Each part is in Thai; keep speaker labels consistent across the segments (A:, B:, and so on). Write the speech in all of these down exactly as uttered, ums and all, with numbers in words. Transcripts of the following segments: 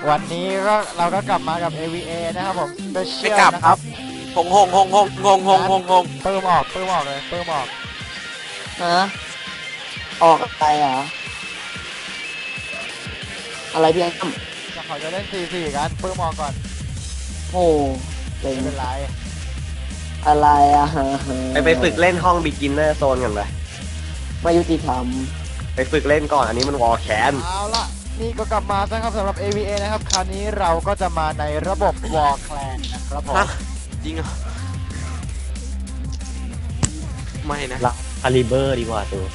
A: วันนี้ก็เราก็กลับมากับ เอ วี เอ นะครับผมสเปเชี
B: ไม่
A: ยล
B: กลับ
A: นะ
B: ค
A: ค
B: รั
A: รั
B: บบ หงหงหงหงงงงงงงง
A: เปิ่มออกเปิ่มออกเลยเปิ่มออก
C: ฮะออกอะไรเหรออะไรพี่อ้ำ
A: จะเขาจะเล่น สี่ สี่ กันเปิ่มออกก่อน
C: โอ้เล่น
A: ไม่เป็นไร
C: อะไรอ่ะ
D: ไปไปฝึกเล่นห้องบิกินเนอร์โซนกันเลย
C: ไม่ยุติธรรม
D: ไปฝึกเล่นก่อนอันนี้มันวอลแคน
A: เอาละนี่ก็กลับมานะครับสำหรับ เอ วี เอ นะครับคราวนี้เราก็จะมาในระบบ War Clan นะครับผม
B: ฮะจริงเหรอไม่นะ
E: รับคาลิเบอร์ดีกว่าตัว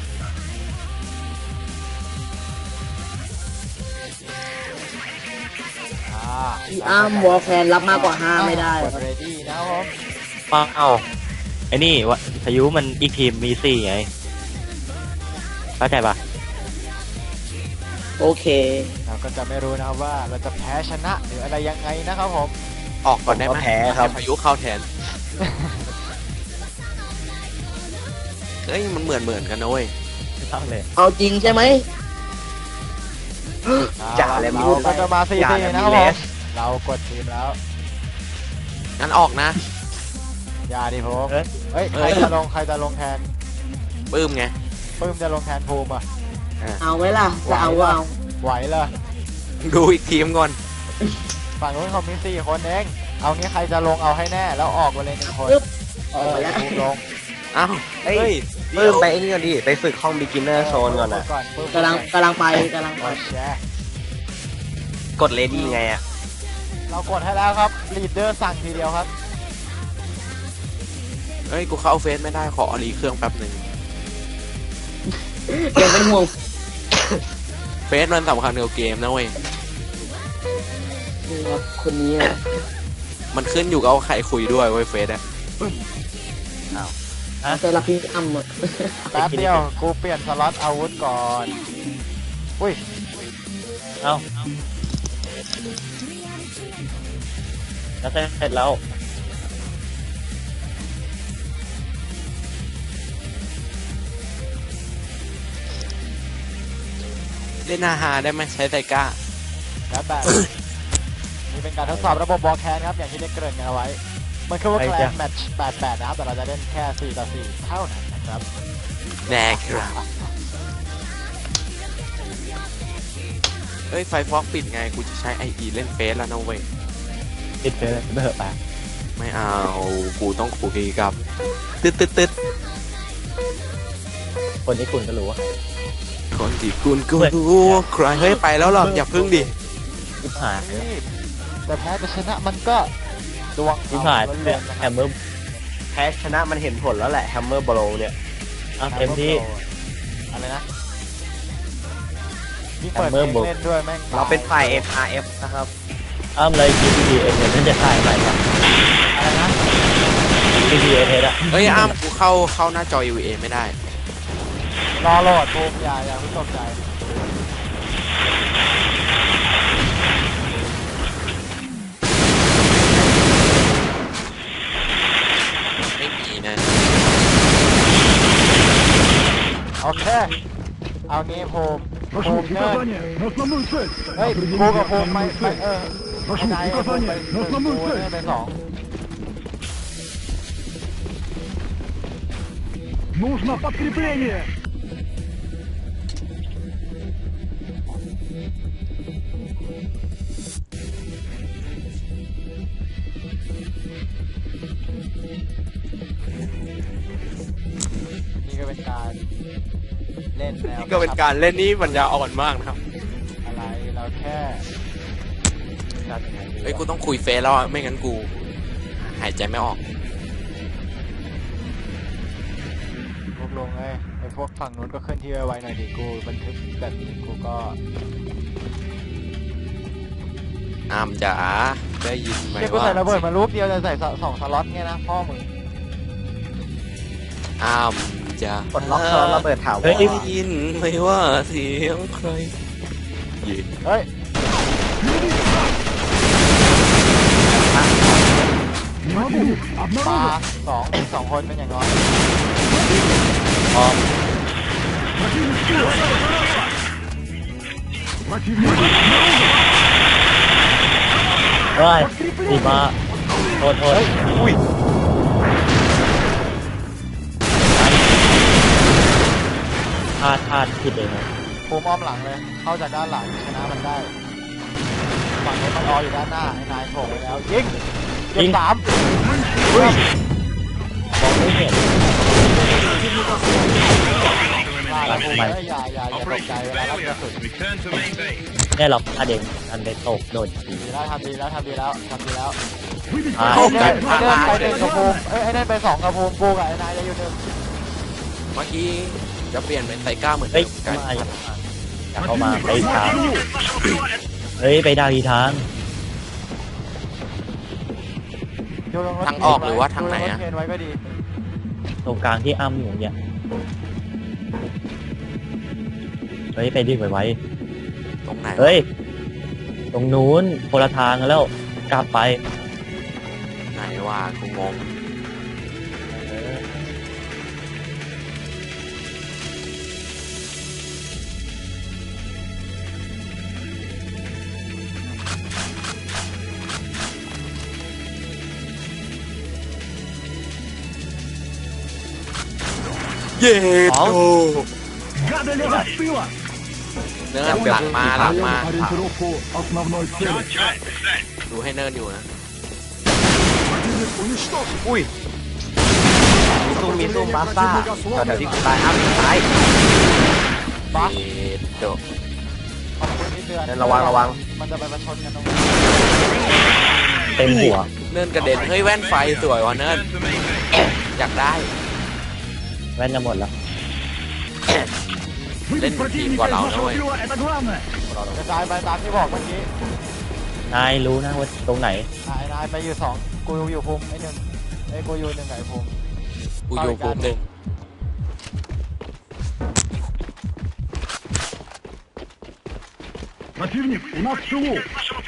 A: อ่า
C: พี่อ้ำวอลแคนรับมากกว่าห้าไม่ได้
A: กด ready นะครับผม
E: ป้าเอ้าไอ้นี่วะพายุมันอีกทีมมีสี่ไงเข้าใจปะ
C: โอเค
A: เราก็จะไม่รู้นะครับว่าเราจะแพ้ชนะหรืออะไรยังไงนะครับผม
B: ออกก่อนได้ไหม
D: แพ้ครับ
B: ให้พายุเข้าแทนเฮ้ยมันเหมือนเหมือนกันนะเว้ย
E: ไม่ต้องเลย
C: เอาจริงใช่ไหม
D: จ่าเลยมี
A: เราก็จะมา สี่
D: จ่า
A: สี่
D: เลย
A: นะ
D: มี
A: ครับ
D: เล
A: ผม
D: ส
A: เรากดทีมแล้ว
B: งั้นออกนะ
A: อย่าดิผม
E: เอ้ย
A: เฮ้ย ใค
B: เอ้
A: ร
B: ย
A: จะลง ใครจะลงแทน
B: ปื้มไง
A: ปื้มจะลงแทนภูมิอ่ะ
C: เอาไว้ล่ะจะเอาเอา
A: ไหวเลย
B: ดูอีกทีมก่อน
A: ฝั่งนู้นเขามีสี่คนเอง เอางี้ใครจะลงเอาให้แน่ แล้วออกไปเลยหนึ่งคน
C: ปึ๊บ
A: เอ
C: ออก
A: อ
C: ไปแล้ว
A: ภูมิลง
B: อ้าว
D: เฮ้ย
B: เฮ้ย
D: เพิ่มไปไอ้นี่ก่อนดิไปฝึกห้องบิกินเนอร์โซนก่อนนะ
A: ก่อนปื้ม
C: กำลังกำลังไปกำลังไป
A: กดแชร์
D: กดเลดี้ไงอ่ะ
A: เรากดให้แล้วครับลีดเดอร์สั่งทีเดียวครับ
B: เฮ้ยกูเข้าเฟซไม่ได้ขอรีเครื่องแป๊บหนึ่ง
C: เดี๋ยวเป็นห่วง
B: เฟซมันสำคัญกับเกมนะเว้ย
C: นี่ครับคนนี้อะ
B: มันขึ้นอยู่กับว่าใครคุยด้วยเว้ยเฟซอะ
C: จะรับพี่อ้ำอะ
A: แป๊บเดียว กูเปลี่ยนสล็อตอาวุธก่อน อุ้ย
E: เอ้าแล้วเสร็จแล้ว
B: เล่นอาหาได้ไหมใช้ไซก้า
A: แล้วแบบ นี่เป็นการทดสอบระบบบอลแคนครับ อย่างที่ได้เกริ่นกันเอาไว้ มันคือว่า
E: ไป
A: แคล
E: จ้ะ
A: นแมตช์แปดแปดนะครับ แต่เราจะเล่นแค่ สี่ ต่อ สี่ เท่านั้นนะครับ
B: แน่ครับเฮ้ยไฟฟอกปิดไงกูจะใช้ไออีเล่นเฟซแล้วนะเว้ย
E: ติดไปเลยไม่เหอะไป
B: ไม่เอา กูต้องคุยกับ ตึ๊ดตึ๊ดตึ๊ด
E: คนที่คุณก็รู้ว่า
B: คนที่คุณกูรู้ว่าใครเฮ้ยไปแล้วหรออย่าพึ่งดิ
E: ทิพหาย
A: นี่แต่แพ้จะชนะมันก็ดวง
E: ทิพหาย
A: ล้
E: เนี่
A: วย นๆนะ
E: แฮ
A: ครับ
E: มเมอร์
D: แพ้ชนะมันเห็นผลแล้วแหละแฮมเมอร์บโลเนี่ย
E: อ่ะเต็มที่
A: อะไรนะนี่เปิดเพล
E: Hammer
A: ง
E: Blow
A: เล่นด้วยแม่ง
D: เราเป็นฝ่าย เอ็น อาร์ เอฟ นะครับ
E: อ้ามเลยจีพีเอ็นเนี่ยจะถ่ายใหม่ปะ
A: อะไรนะ
E: จีพีเอ็นอะ
B: เฮ้ยอ้ามกูเข้าเข้าหน้าจอ อี วี เอ ไม่ได้
A: รอโหลดภูมิอย่าอย่าเพิ่งตกใจ
B: ไม่มีนะ
A: โอเค เอางี้ภูมิภูมิเนิร์ดเฮ้ยภูมิกับภูมิไปไปเออไม่ได้ภูมิไปหนึ่งภูมิเนิร์ดไปสอง
F: Нужно подкрепление!
A: นี่ก็เป็นการเล่นแนว
B: นี่ก็เป็นการเล่นนี่มันจะอ่อนมากนะครับ
A: อะไรเราแค่จัดยังไงดี
B: เฮ้ยกูต้องคุยเฟซแล้วอะไม่งั้นกู หายใจไม่ออก
A: พวกลงเลยไอพวกฝั่งนู้นก็เคลื่อนที่ไวๆหน่อยดิกูบันทึกแบบนี้กูก็
B: อ้ามจ๋าได้ยินไหม
A: เดี๋ยวกู
B: ว่า
A: ใส่ระเบิดมาลูกเดียวจะใส่สสองสล็อตไงนะพ่อมึง
B: อ้ามจ๋าก
D: ดล็อกสล็อตระเบิดถาวร
E: เฮ้ย
B: ได้ยินไหมว่าเสียงใครยิน
A: เฮ้ย
F: Не могу!
A: ปลา
F: Обнаружен!
A: สองสองคนเป็นอย่างน้อย
E: พร้อม
F: Противник слева! Противник обнаружен!
E: เฮ้ยดีมาโทษโทษ
D: อุ้ย
E: พลาดพลาดผิดเองนะ
A: ภูมิอ้อมหลังเลย เข้าจากด้านหลังชนะมันได้ฝั่งนี้มันรออยู่ด้านหน้าไอ้นายโผล่ไปแล้วยิงเก็บสาม
E: อุ้ยมองไม่เห็น
A: ลาแล้วภูมิเอ้ยอย่าอย่าอย่าตกใจเวลารับกระสุน
E: แน่หรอกพลาดเองอันไปตกโดนที
A: ดีแล้วทำดีแล้วทำดีแล้วทำดีแล้ว
E: อ่า
A: ไอ้เดินไอ้เดินไปหนึ่งกับภูมิเอ้ยไอ้เดินไปสองกับภูมิกูกับไอ้นายจะอยู่หนึ่ง
B: เมื่อกี้จะเปลี่ยนเป็นไซก้าเหมือน
E: เฮ้
B: เดิ
E: ย
B: มกัน
E: มาอยากเข้ามาไปทางเฮ้ยไปดาวอีทาง
A: อยู่ตรงรถ
B: ทางออกหรือว่าทางไหน
A: รถ
B: อะ
A: เคนไว้ก็ดี
E: ตรงกลางที่อ้ำอยู่เนี่ยเฮ้ยไปดิไว้
B: ตรงไหน
E: ๆเฮ้ยตรงนู้นคนละทางกันแล้วกลับไป
B: ไหนว่ากูงง
E: เออ
B: เย้โต
F: Гады лезут в тыло!
B: เนินหลังมาหลังมา
F: Ориентировку основной цели.
B: ดูให้เนินอยู่นะ
F: Противник уничтожен!
D: อุ้ยมีซุ่มมีซุ่มบาซ่าแถวๆที่กูตายอ้ำตาย
A: บัส
B: เย้โต
A: ขอบคุณที่เตือน
D: เดินระวังระวัง
A: มันจะไปประชนกันตรงนี้
E: เต็มหัว
B: เนินกระเด็นเฮ้ยแว่นไฟสวยว่ะเนินอยากได้
E: แว่นจะหมดแล้ว
F: Выбить противника из нашего тыла — это главное!
A: กระจายไปตามที่บอกเมื่อกี้
E: นายรู้นะว่าตรงไหน
A: อ่านายไปอยู่สองกูอยู่ภูมิไอ้หนึ่งไอ้กูอยู่หนึ่งไอ้ภูมิ
B: กูอยู่ภูมิหนึ่ง
F: Противник у нас в тылу!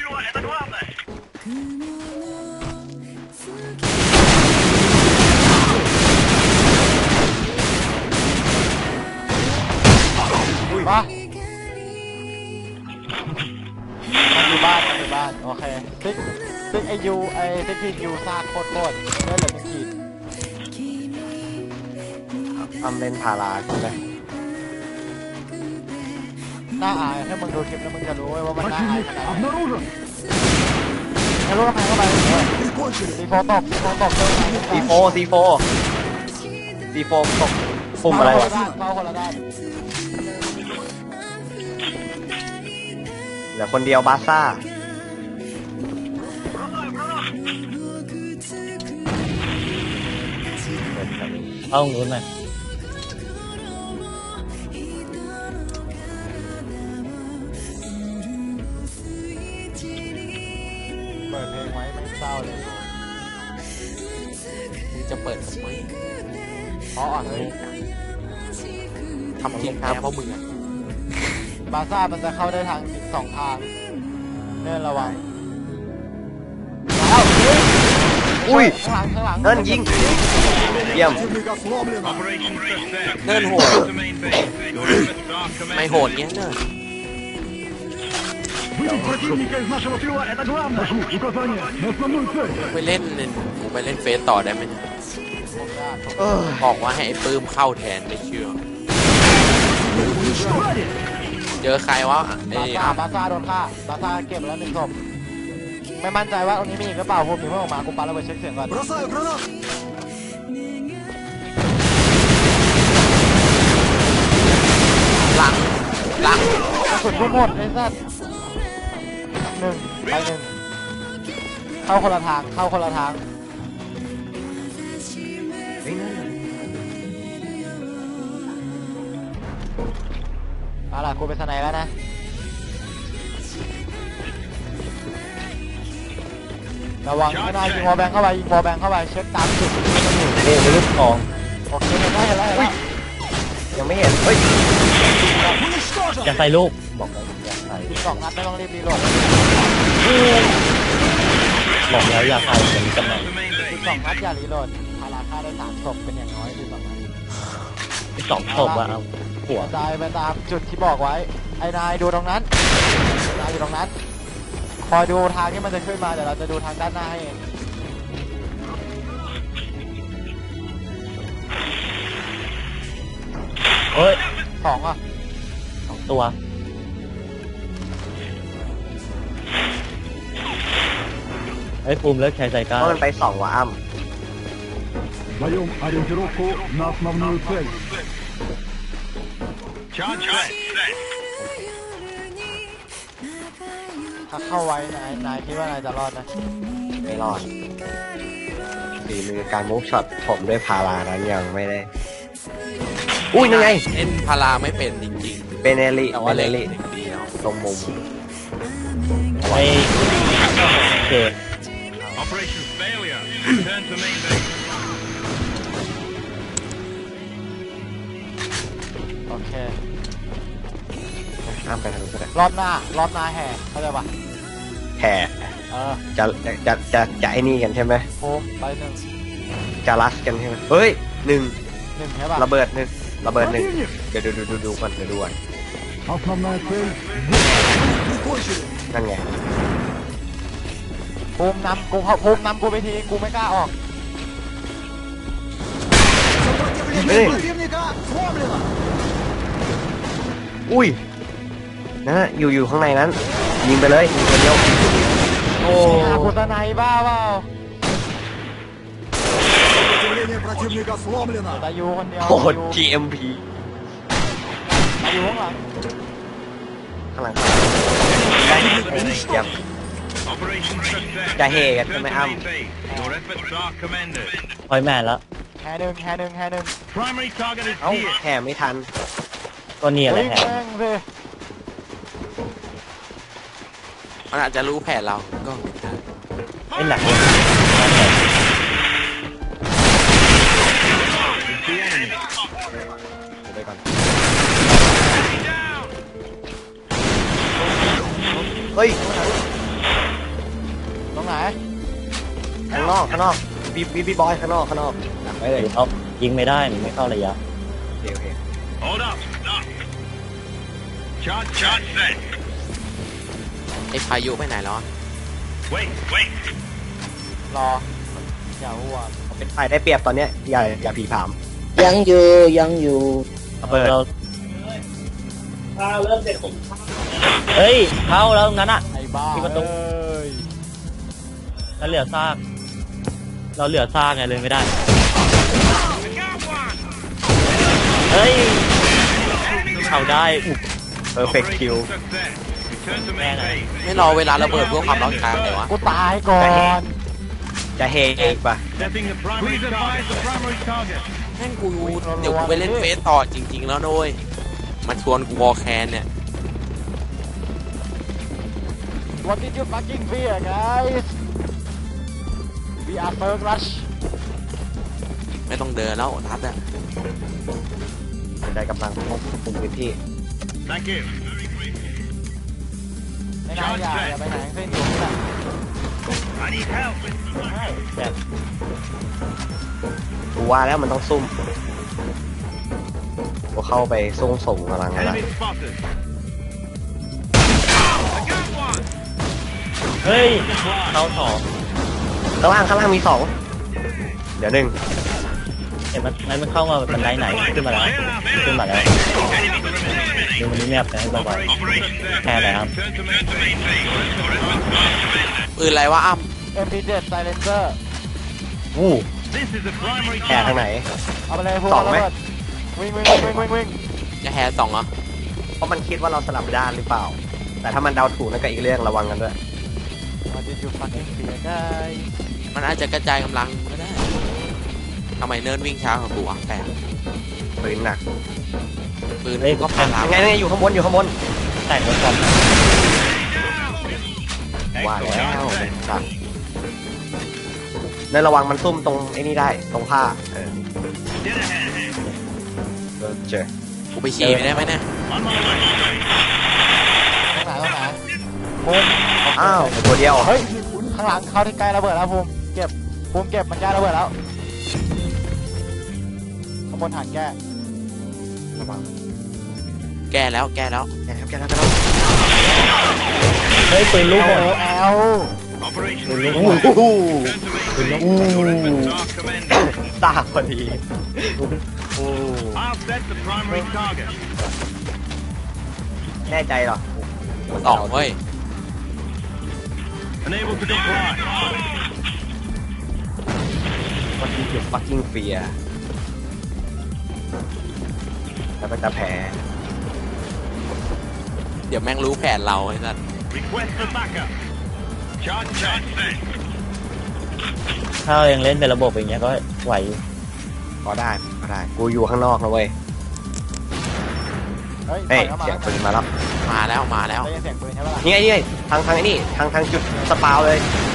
A: มามันอยู่บ้านมันอยู่บ้านโอเคซิกซิกไอยูไอซิกทียูซากโคตรโคตรเลือดเหลือหนึ่งขีด
D: อ้ำเล่นพาราใช่ไหม
A: น่าอายถ้ามึงดูคลิปแล้วมึงจะรู้เว้ยว่ามันน่าอาย
F: Противник
A: ขนาดไหน
F: обнаружен!
A: ไอ้ลูกกระแพงเข้าไปซีโฟตกซีโฟตกเจอ
D: ซีโฟซีโฟซีโฟตกปุ่มอะไรวะ
A: เข้าคนละด้าน
D: เหลือคนเดียวบาซ่า
E: เข้าตรงนู้นไหม
A: เปิดเพลงไว้ไม่เศร้าเลย
B: มึงจะเปิดทำไม
A: เพราะอ่อนเลย
B: ทำจริงครับเพราะมึงอะ
A: บาซ่ามันจะเข้าได้ทางสองทางเนินระวังแล้ว
D: อุ้ย
A: ข้างหลังข้างหลัง
D: เนินยิงเยี่ยม
F: Противник ослаблен!
B: เนินโหดไม่โหดเงี้ยเนิน
F: Выбить противника из нашего тыла — это главное! Прошу, указание на основную цель!
B: ไปเล่นกูไปเล่นเฟซต่อได้ไหม
A: ผมได้
D: เออ
B: บอกว่าให้ไอ้ปื้มเข้าแทนไม่เชื่อ
F: Уничтожен!
B: เจอใครวะไอ้
A: บาซ่า
B: อ่ะ
A: บาซ่าโดนฆ่าบาซ่าเก็บไปแล้วหนึ่งศพไม่มั่นใจว่าตรงนี้มีอีกหรือเปล่าผมมีเพิ่งออกมากูปาระเบิดเช็คเสียงก่อน
F: Бросаю гранат!
B: หลังหลัง
A: กระสุนกูหมดไอ้สัสหนึ่งไปหนึ่งเข้าคนละทางเข้าคนละทาง
D: เฮ้ยนั่นน่ะ
A: เอาล่ะกูเป็นสไนแล้วนะระวังไม่ได้ยิงวอลแบงเข้าไปยิงวอลแบงเข้าไปเช็คตามจุดที่มันอยู่
E: เฮ้ยมีลูกทอง
A: โอเคเห็นแล้วเห็นแล้วเห็นแล้ว
D: ยังไม่เห็น เฮ้ย
F: Уничтожен!
E: อย่าใส่ลูกบอกแล้วอย่าใส่
A: ยิงสองนัดไม่ต้องรีบรีโหลด
E: บอกแล้วอย่าใส่อย่างนี้กันหน่อย
A: ยิงสองนัดอย่ารีโหลดพาราฆ่าได้สามศพเป็นอย่างน้อยดีสองนัด
E: ที่สองศพอะเอาหัว
A: กระจายไปตามจุดที่บอกไว้ไอ้นายดูตรงนั้นไอ้นายอยู่ตรงนั้นคอยดูทางที่มันจะขึ้นมาเดี๋ยวเราจะดูทางด้านหน้าให้เอง
E: เฮ้ย
A: สองอ่ะ
E: สองตัวไอ้ยภูมิเลิกใช้ใจกล้า
D: เพราะมันไปสองว่ะอ้ำ
F: Даем ориентировку на основную цель.
G: Charge set.
A: ถ้าเข้าไว้นายนายคิดว่านายจะรอดนะ
D: ไม่รอดฝีมือการมูฟช็อตผมด้วยพารานั้นยังไม่ได้ อุ้ยนั่นไง
B: เล่นพาราไม่เป็นจริง
D: เบเนลิ
B: ๆแต่
D: เบ
B: ว่า
D: เน
B: เล่น
D: ลิ
B: ดีเนาะ
D: ตรงมุม
E: ไอ้โอเค
G: Operation failure. Return to main base.
A: โอเค
D: อ้ามไปทางนู้นก็ได้
A: รอบหน้ารอบหน้าแห่เข้าใจปะ
D: แห่
A: เออ
D: จะจะจะจะจะไอ้นี่กันใช่ไหม
A: โฟมไปหนึ่ง
D: จะรัสกันใช่ไหมเฮ้ยหนึ่ง
A: หนึ่งใช่ปะ
D: ระเบิดหนึ่งระเบิดหนึ่ง
F: Противник!
D: เดี๋ยวดูดูดูดูก่อนเดี๋ยวดูก่อน
F: Основная цель.
D: นั่นไง
A: ภูมินำกูเขาภูมินำกูไปทีกูไม่กล้าออก
D: เฮ้ยอุ้ยนั่นน่ะอยู่อยู่ข้างในนั้น ยิงไปเลยยิงคนเดียวโอ้
A: หาคุณตะไนบ้าเปล่า
F: Сопротивление противника сломлено.
A: ตายูคนเดียว
D: โหด
A: ตายู
D: จี เอ็ม พี
A: ตายูข้างหลัง
D: ข้างหลังได้เยี่ยม
G: Operation success.
D: จะเฮกันใช่ไหมอ้ำ
G: Main base. Your efforts are commended.
E: พอยแมนแล้ว
A: แห่หนึ่งแห่หนึ่งแห่หนึ่ง
G: Primary target is
D: เอ้า
G: here.
D: แห่ไม่ทัน
E: ตัวนี้อะไร
A: วิ่ง
E: แฮะ
A: แม่งสิ
B: มันอาจจะรู้แผนเราก็ได้
E: ไอ้หนักเลย
G: The enemy.
D: ไปก่อนเฮ้ย
A: ตรงไหน
D: ข้างนอกข้างนอกบีบีบีบอยข้างนอกข้างนอกดักไว้เลย
E: เขายิงไม่ได้มันไม่เข้าระยะ
D: โอเคโอเค
G: Hold up. Stop. Charge, charge set.
B: ไอ้พายุไปไหนแล้วอะ
G: Wait, wait.
A: รออย่าอ้วก
D: เป็นฝ่ายได้เปรียบตอนเนี้ยอย่าอย่าผีผาม
C: ยังอยู่ยังอยู่
D: ระเบิด
E: เราเฮ้ยเข้าแล้วงั้นอ่ะ
A: ไอ้บ้า
E: ที่ประตู
A: เอ้ย
E: แล้วเหลือซากเราเหลือซากไงเลยไม่ได้ เฮ้ยเข้าได้อุบ
D: เพอร์เฟกต์คิว
G: Operation success. Return to main base.
B: ไม่รอเวลาระเบิดเพื่อความร้อนแรงเลยวะ
A: กูตายก่อน
D: จะเฮอีกปะ
G: Setting the primary target. The primary target.
B: แม่งกูเดี๋ยวกูไปเล่นเฟสต่อจริง ๆ แล้วด้วยมันชวนกูวอลแคนเนี่ย
A: What did you fucking fear guys We are first rush
B: ไม่ต้องเดินแล้วทัดอะ
D: ได้กำลังควบคุมพื้นที่
G: Thank you.
A: ไม่น่าอย่าอย่าไปไหนทั้งสิ้นอยู่นี่แหละ
G: I need help.
E: แต่
D: กูว่าแล้วมันต้องซุ่มกูเข้าไปซุ่มส่งกำลังอะไร
G: Enemy spotted. I got one.
E: เฮ้ยเข้าสอง
D: ข้างล่างข้างล่างมีสองเดี๋ยวหนึ่ง
E: เห็นมันมันมันเข้ามาบันไดไหนขึ้นมาแล้วขึ้นมาแล้วดูมันนี่แนบไปให้บ่อย
G: Operation success.
E: ๆแค่ไหนครับ
G: Return to main base. Your efforts are commended.
B: ปืนอะไรวะอ้ำ
A: เอ็ม พี เจ็ด Silencer
D: อู้
G: This is the primary
D: แห่ทางไหน
A: เอาไปเลยพวก
D: สองไหม
A: ระเบิดวิ่งวิ่งวิ่งวิ่งวิ่ง
B: จะแฮร์สองเหรอ
D: เพราะมันคิดว่าเราสลับด้านหรือเปล่า แต่ถ้ามันเดาถูกนั่นก็อีกเรื่องระวังกันด้วย
A: What did you fucking fear guys
B: มันอาจจะกระจายกำลังก็ได้ทำไมเนิร์ดวิ่งช้ากว่ากูอ่ะแปลก
D: ปืนหนัก
B: ปืนก็พารา
D: ยังไงยังไงอยู่ข้างบนอยู่ข้างบน
E: แต่งรถความ
D: ว่าแล้วจัดนั่นระวังมันซุ่มตรงไอ้นี่ได้ตรงผ้าเออ
G: Dead ahead.
D: เออเจอ
B: กูไปฉี่ไม่ได้ไหมเนี่ย
G: On my way.
A: ตรงไหนตรงไหนภูมิ
D: อ้าวตัวเดียว
A: เฮ้ยข้างหลังเข้าที่ใกล้ระเบิดแล้วภูมิเก็บภูมิเก็บมันใกล้ระเบิดแล้วข้างบนหันแก้
D: ระวัง
B: แก้แล้วแก้แล้ว
D: แกครับแกแล้วแกแล้ว
E: เฮ้ยปืนลูกหมด
A: แอลแล้ว
G: Operation
D: โอ้
G: Reset.
D: โห
G: Turn to main. Your efforts are commended.
D: ตาพอดีโอ้
G: I'll set the primary target.
D: แน่ใจเหรอ
B: สองเว้ย
G: Unable to comply.
D: ว่าที่เก็บ fucking fear แล้วก็จะแพ้
B: เดี๋ยวแม่งรู้แผนเราไอ้สัส
G: Request for backup. Charge charge set.
E: ถ้ายังเล่นเป็นระบบอย่างเงี้ยก็ไหวอยู่
D: ก็ได้ก็ได้ กูอยู่ข้างนอกนะเว้ย
A: เฮ้ย
D: เฮ้ย
A: ปล่อ
D: เสียง
A: ข้า
D: ปืนมาแล้ว
B: มาแล้วมาแล้ว
A: ได้ยินเสียงปืนใช่ปะล่ะ
D: นี่ไงนี่ไงทางทางไอ้นี่ทางทางจุดสปาวเลย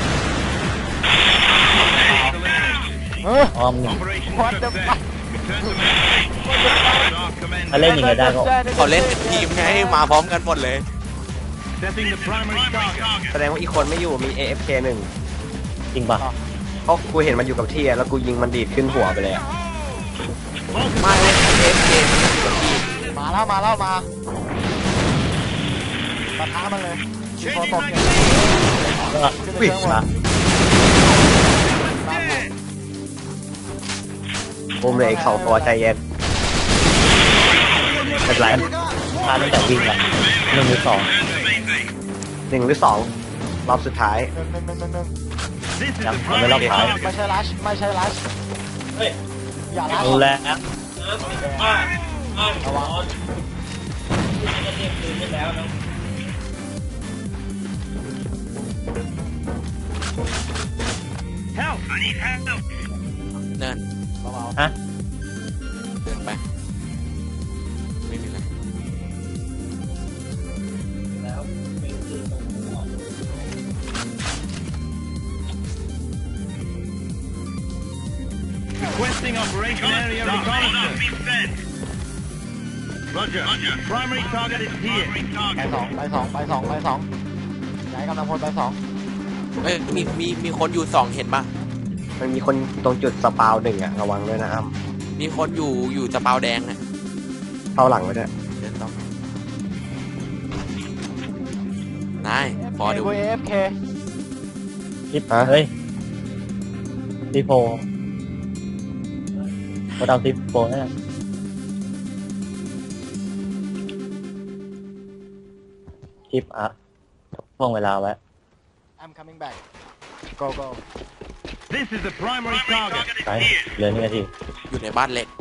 A: เออ
E: อ้อมหนึ่ง
G: Operation
A: What the
G: success.
A: fuck?
G: Return to main. Your efforts are
E: ถ้า
G: commended.
E: เล่นอย่างเงี้ยได้ก็
B: เขาเล่นเป็นทีมไงมาพร้อมกันหมดเลย
G: Setting the primary target.
D: แสดงว่าอีกคนไม่อยู่มี เอ เอฟ เค หนึ่ง
E: จริงปะ
D: เพราะกูเห็นมันอยู่กับที่อะแล้วกูยิงมันดีดขึ้นหัวไปเลยอะ
B: มาเล่นเอฟเกม
A: มาแล้วมาแล้วมาปะทะมันเลยยิงโฟตกเนี่ย
E: ก็
A: ขึ้นไป
E: วิ่ง
A: เรื่องบ
E: มาน
D: ปุ้มเลยอีกสองตัวใจเย็นไม่เป็นไร
E: พาตั้งแต่วิ่งละหนึ่งหรือสอง
D: หนึ่งหรือสองรอบสุดท้าย
A: หนึ่งหนึ่งหนึ่งหนึ่งหนึ่ง
G: This is
E: ยัง
G: the
E: ยังไม่รอบ
G: primary
E: ท้าย
G: target.
A: ไม่ใช่ลัชไม่ใช่ลัชอย่าลัช
E: รู้แล้ว
A: ระวัง
G: Help! I need help.
B: เนิน
A: เบา
E: ฮะ
B: เดินไป ไม่มีอะไร
G: Requesting operation area reconnaissance. Roger. Primary target is here.
A: ๆไปสองไปสองไปสองไปสองย้ายกำลังพลไปสอง
B: เอ้ยมีมีมีคนอยู่สองเห็นปะ
D: มันมีคนตรงจุดสปาวหนึ่งอะระวังด้วยนะอ้ำ
B: มีคนอยู่อยู่สปาวแดงอะ
D: เข้าหลังไว้ด้วย
B: เดินต่อ นายพอดู
A: เอฟเค
E: ทิปเฮ้ยทีโฟก็เอาทีโฟนั่นแหละทิปอะพ่วงเวลาไว้
A: I'm coming back go go
G: This is the primary target.
E: ไปเหลือหนึ่งนาที
B: อยู่ในบ้านเล็ก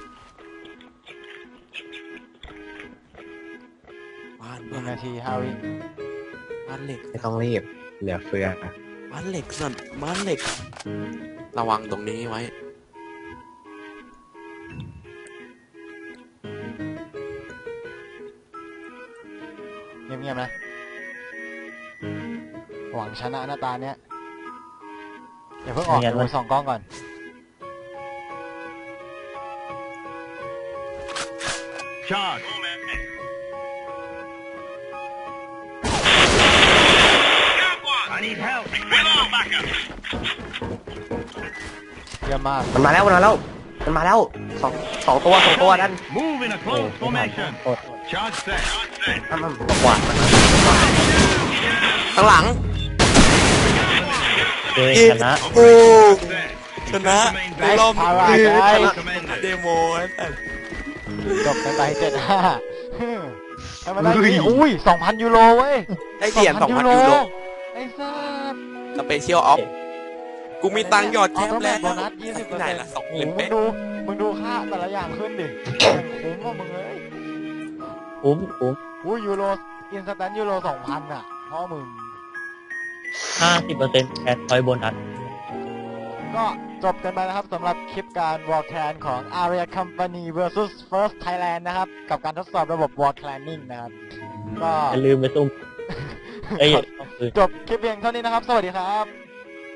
B: บ้าน
A: หนึ่
B: บ้าง น
A: นาทีฮาวิ
B: บ้านเหล็ก
D: ไม่ต้องรีบ เหลือเฟือ
B: บ้านเหล็กสันบ้านเหล็ก ระวังตรงนี้ไว้
A: เงียบๆนะหวังชนะหน้าตาเนี้ยอย่าเพิ่งออก
E: ไม่งั้
A: เดี๋ย
E: น
A: วไปส่องกล้องก่อน
G: Charge. I need help. Request for backup.
A: เยี่ยมมาก
D: มันมาแล้วมันมาแล้วมันมาแล้วสองสองตัวสองตัวนั่น
G: Move in a
E: โอ้
G: close
E: ไม่ทัน
G: formation.
E: โทษ
G: Charge set.
D: อ้ำอ้ำกวาดมันนะ
B: ข้างหลัง
E: เจชนะ
B: โอ้
G: Set.
B: ชนะในรอบ
A: พาราได
G: Commended.
B: เดโมไอ้สัส
A: จบกันไปเจ็ดห้าให้มันได้ที่อุ้ยสองพันยูโรเว้ย
B: ได้เหรียญสองพันยูโร
A: ไอ้สัส
B: สเปเชียลออฟ กูมีตังค์หยอดแคปแล้ว
A: โบนัสยี่สิบเปอร์
B: ไหน
A: เซ็นต์
B: ละสองห
A: โอ้
B: มื่น
A: มึง
B: เป๊ะ
A: ดู มึงดูค่าแต่ละอย่างขึ้นดิอย่างคุ้มว่ามึงเลย
E: คุ้มคุ้ม
A: อุ้ยยูโรอินสแตนยูโรสองพันอ่ะพ่อมึง
E: ห้าสิบเปอร์เซ็นต์แอดพอยต์โบนัส
A: ก็จบกันไปนะครับสำหรับคลิปการ War Clan ของ Aria Company versus First Thailand นะครับ กับการทดสอบระบบ War Clanning นะครับ ก็
E: อย่าลืมไปซุ่มเอ้ย
A: จบคลิปเพียงเท่านี้นะครับ สวัสดีครับ